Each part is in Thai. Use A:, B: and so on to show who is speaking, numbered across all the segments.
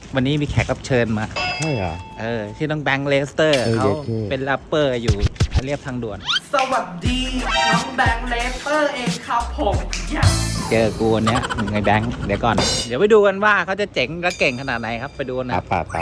A: วันนี้มีแขกรับเชิญมา
B: ใช่เหรอ
A: ชื่อน้องแบงค์เลสเตอร์เขาเป็นแรปเปอร์อยู่เรียบทางด่วน
C: สวัสดีน้องแบงค์เลสเตอร์เองครับผม
A: เจอกูวันนี้ไงแบงค์เดี๋ยวก่อนเดี๋ยวไปดูกันว่าเขาจะเจ๋งและเก่งขนาดไหนครับไปดูนะ
B: ป่า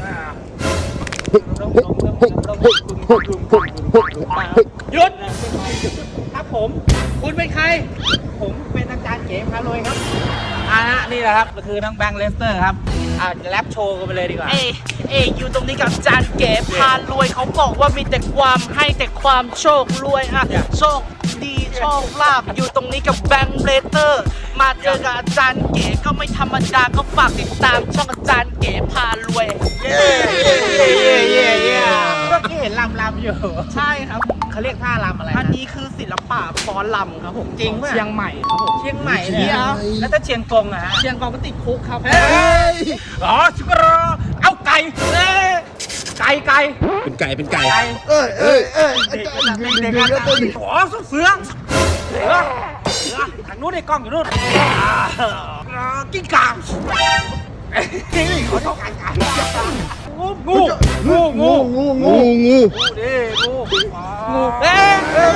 A: หยุดครับผมคุณเป็นใครผมเป็นอาจารย์เก๋พารวยครับนี่แหละครับก็คือน้องแบงค์เลสเตอร์ครับแรปโชว์กันไปเลยดีกว่า
C: อยู่ตรงนี้กับอาจารย์เก๋พารวยเขาบอกว่ามีแต่ความให้แต่ความโชครวยโชคดีโชคลาภอยู่ตรงนี้กับแบงค์เลสเตอร์มาเจอกับอาจารย์เก๋ก็ไม่ธรรมดาก็ฝากติดตามช่องอาจารย์เก๋พารวย
A: เมื่อกี้เห็นลำอยู่
C: ใช่ครับ
A: เขาเรียกท่าลำอะไร
C: อันนี้คือศิลปะฟ้อนลำครับผม
A: จริง
C: เชียงใหม่ครับผม
A: เชียงใหม่เนี่ยแล้วถ้าเชียงกงอะฮะ
C: เชียงกงก็ติดคุกครับ
A: ชิครอเอาไก่
B: เป็นไก่
A: เด็กขอเสือทางนู้นในกล้องอยู่นู่นกิ้งก่าขอโทษกันงูเฮ้ย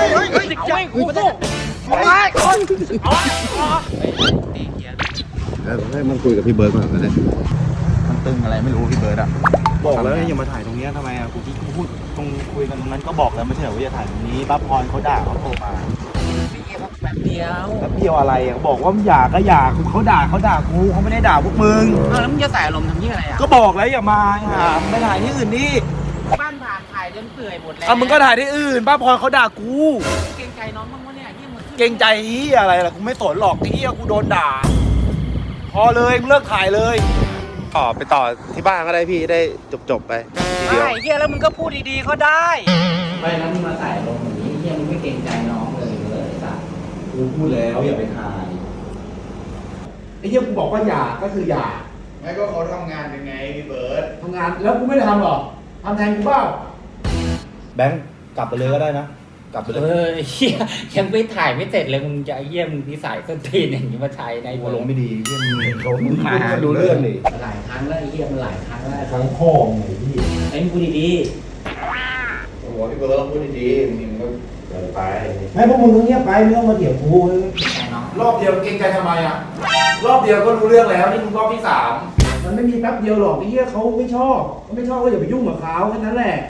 B: ให้มันคุยกับพี่เบิร์ดก่อนนะ
A: มันตึงอะไรไม่รู้พี่เบิร์ดอะ
D: บอกแล้วอย่ามาถ่ายตรงนี้ทำไมกูที่พูดตรงคุยกันตรงนั้นก็บอกแล้วไม่ใช่เหรอว่าอย่าถ่ายตรงนี้ป้าพรเขาด่าเขาโทรมา
A: แป๊บเดี
D: ยวอะไรบอกว่าอยากก็อยากเขาด่ากูเขาไม่ได้ด่าพวกมึง
A: แล้วมึงจะใส่อารมณ์ทำยี่อะไรอ่ะ
D: ก็บอกแล้วอย่ามาไม่ถ่ายที่อื่นนี่
A: บ้านผ่านถ่ายจนเปื่อยหมดแล้ว
D: มึงก็ถ่ายที่อื่นป้าพรเขาด่ากู
A: เกรงใจน้องบ้างวะเนี่ย
D: เกรงใจเฮียอะไรล่ะกูไม่สนหรอกเฮียกูโดนด่าพอเลยมึงเลิกถ่ายเลยไปต่อที่บ้านก็ได้พี่ได้จบไป
A: เฮียแล้วมึงก็พูดดีๆก็ได้ไม่แล้วมึงมาใส่ลงอย่างนี้เฮียมึงไม่เกรงใจน้องเลยสัส
D: กูพูดแล้วอย่าไปถ่ายไอ้เฮียกูบอกว่าอย่าก็คืออย่า
B: ไม่ก็เขาทำงานเป็นไงพี่เบิร์ด
D: ทำงานแล้วกูไม่ได้ทำหรอทำแทนกูเปล่าแบงค์กลับไปเลยก็ได้นะกลับไปเลย
A: เฮียยังไม่ถ่ายไม่เสร็จเลยมึงจะเฮียมึงนิสัยส้นตีนอย่างนี้มาใช้ใน
D: หัวลงไม่ดีเฮียมึงมาดูเรื่องนี่
A: หลายครั้งแล้วเฮียมันหลายครั้งแล้ว
D: ทั้งพ่อไงพี่
A: ไอ้มึงพูดดี
B: โอ้โหพี่เบิร์ดต้องพูดดีๆมึงก็เกินไป
D: ไม่พวกมึงต้องเงียบไปไม่ต้องมาเถียงกู
B: รอบเดียวเก่งใจทำไมอ่ะรอบเดียวก็รู้เรื่องแล้วนี่มึงรอบที่3
D: มันไม่มีแป๊บเดียวหรอกไอ้เหี้ยเขาไม่ชอบก็อย่าไปยุ่งกับเขาแค่นั้นแหละ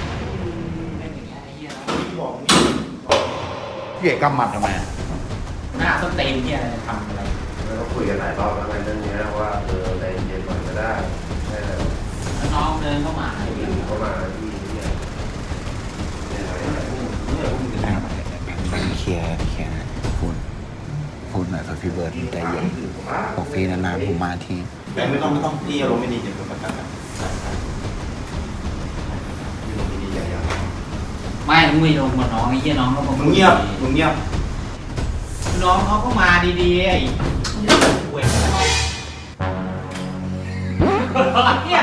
B: พี่เอกกำหมัดทำไม
A: หน้าส้นตีนเฮียอะไรทำอะไร
B: เราคุยกันหลายรอบแล้วในเรื่องนี้ว่าใจเย็นหน่อยก็ได้
A: แล้วน้องเดินเข้ามาที่เนี่ย
B: เคลียร์พูดหน่อยครับพี่เบิร์ดใจเย็นบอกพี่นานๆผมมาที
D: แบงค์ไม่ต้องพี่อารมณ์ไม่ดีเดี๋ยวประกันนะ
A: ไม่มึงไม่ลงกับน้องไอ้เหี้ยน้องก็มา
D: มึงเงียบ
A: น้องเขาก็มาดีๆไอ้เว้ยเนี่ย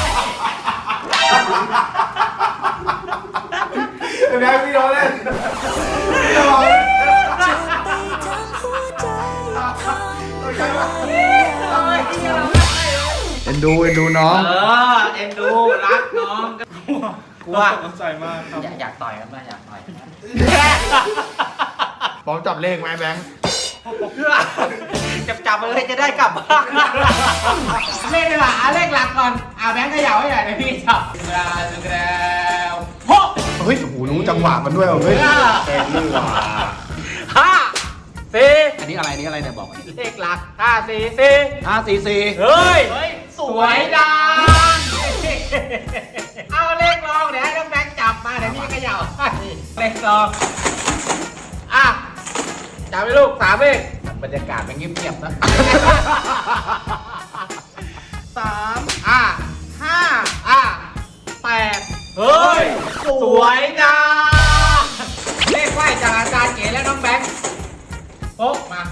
D: แบงค์พี่น้องเล่นเอ็นดูน้อง
A: เอ็นดูรักน้อง
D: กูว่าสนใจมากครับ
A: อยากต่อยกันไหมอยากต่อย
B: พร้อมจับเลขไหมแบงค์
A: จับไปเลยจะได้กลับบ้านเลขดีกว่าเลขหลักก่อนแบงค์เขย่าให้หน่อยนะพี่จับแล้ว
B: เฮ้ยโอ้โหรู้จังหวะมันด้วยเฮ้ยเป็นเรื่องว่ะ
A: 5 4อันนี้อะไรเนี่ยบอกเลขหลัก5 4 เฮ้ยสวยดังเอาเลขรองเดี๋ยวให้น้องแบงค์จับมาเดี๋ยวพี่เขย่าเลขรองจับไปลูก3เลขบรรยากาศมันเงียบๆนะ3 5 8เฮ้ยสวยดังเลขไหวจากอาจารย์เก๋และน้องแบงค์พกมา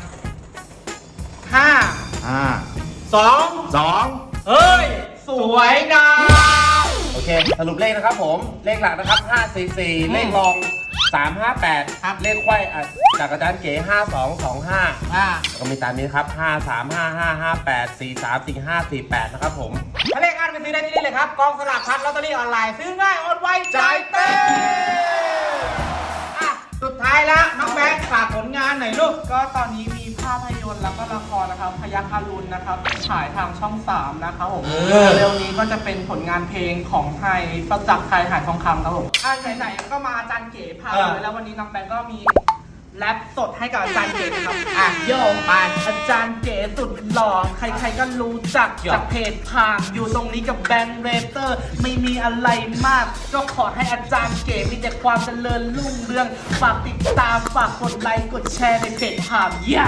A: 2 เฮ้ยสวยดัง
D: โอเคสรุปเลขนะครับผมเลขหลักนะครับ544เลขรอง 358
A: ครับ
D: เลขไขว้จากอาจารย์เก๋5225ก็มีตามนี้ครับ535558434548นะครับผม
A: ถ้าเลขอันไปซื้อได้ที่นี่เลยครับกองสลากพัดลอตเตอรี่ออนไลน์ซื้อง่ายโอนไวจ่ายเต็มสุดท้ายแล้วน้องแบงค์ฝากผลงานหน่อยลูก
C: ก็ตอนนี้มีภาพยนตร์แล้วก็ละครนะครับพยัคฆ์อรุณนะครับฉายทางช่อง 3 นะครับผมเร็วนี้ก็จะเป็นผลงานเพลงของไทยประจักษ์ไทยหายทองคำครับผมไหนๆก็มาอาจารย์เก๋พาเลยแล้ววันนี้น้องแบงค์ก็มีแรปสดให้กับอาจารย์เก๋นะครับโยงไปอาจารย์เก๋สุดหล่อใครๆก็รู้จักจากเพจพามอยู่ตรงนี้กับแบงค์เรเตอร์ไม่มีอะไรมากก็ขอให้อาจารย์เก๋มีแต่ความเจริญรุ่งเรืองฝากติดตามฝากกดไลค์กดแชร์ในเพจพามเย้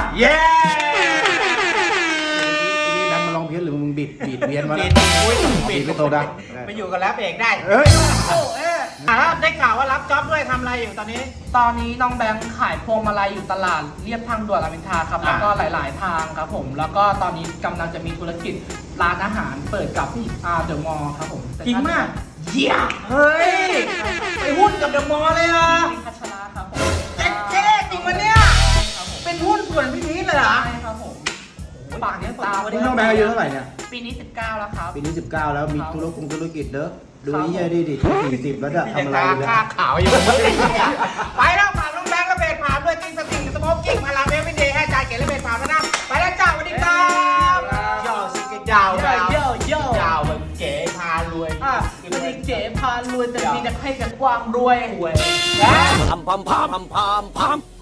B: นี่แบงค์มาลองเพี้ยนหรือมึงบิดเวียนมา
A: ปิ
B: แล้ว
A: ดอุ้ย
B: บิดไปโตได้
A: ไปอยู่กับแล้วเอกได้
B: เฮ้ย
A: ได้ข่าวว่ารับจ็อบด้วยทำอะไรอยู่ตอนนี้
C: ตอนนี้น้องแบงค์ขายพวงมาลัยอยู่ตลาดเรียบทางด่วนรามอินทราครับแล้วก็หลาย ๆ ทางครับผมแล้วก็ตอนนี้กำลังจะมีธุรกิจร้านอาหารเปิดกับเดอะมอลล์ครับผม
A: จริงมากเยี่ยเฮ้ย ไปหุ้นกับเดอะมอลล์เลยเหรอ
C: พี่พัชระครับผม
A: เจ๊จริงมันเนี่ย
C: ครับผม
A: เป็นหุ้นส่วนพี่พีชเลยเหรอ
C: ใช่ครับผมฝากติดตาม
B: นี่น้องแบงค์อายุเท่าไหร่เนี่ย
C: ปีนี้ 19 แล้วครับ
B: ปีนี้ 19 แล้วมีธุรกิจเด้อดูนี่ยัยดิ40 แล้วจะทำอะไรอยู่เนี่ย
A: ค่าขาวอยู่ ไปแล้วฝากน้องแบงค์และเบสผ่านด้วยติ้งสติงสโมกกิ้งพลังเบสวินเดย์ให้จ่ายเก๋และเบสผ่านแล้วนะไปแล้วจ้าสวัสดีครับยาวสิกยาว
C: โย่โย่
A: ยาวแบบเก๋พารวย
C: ไม่ได้เก๋พารวยแต่มีแต่ให้กับความรวย
A: รวย
E: pam pam pam pam pam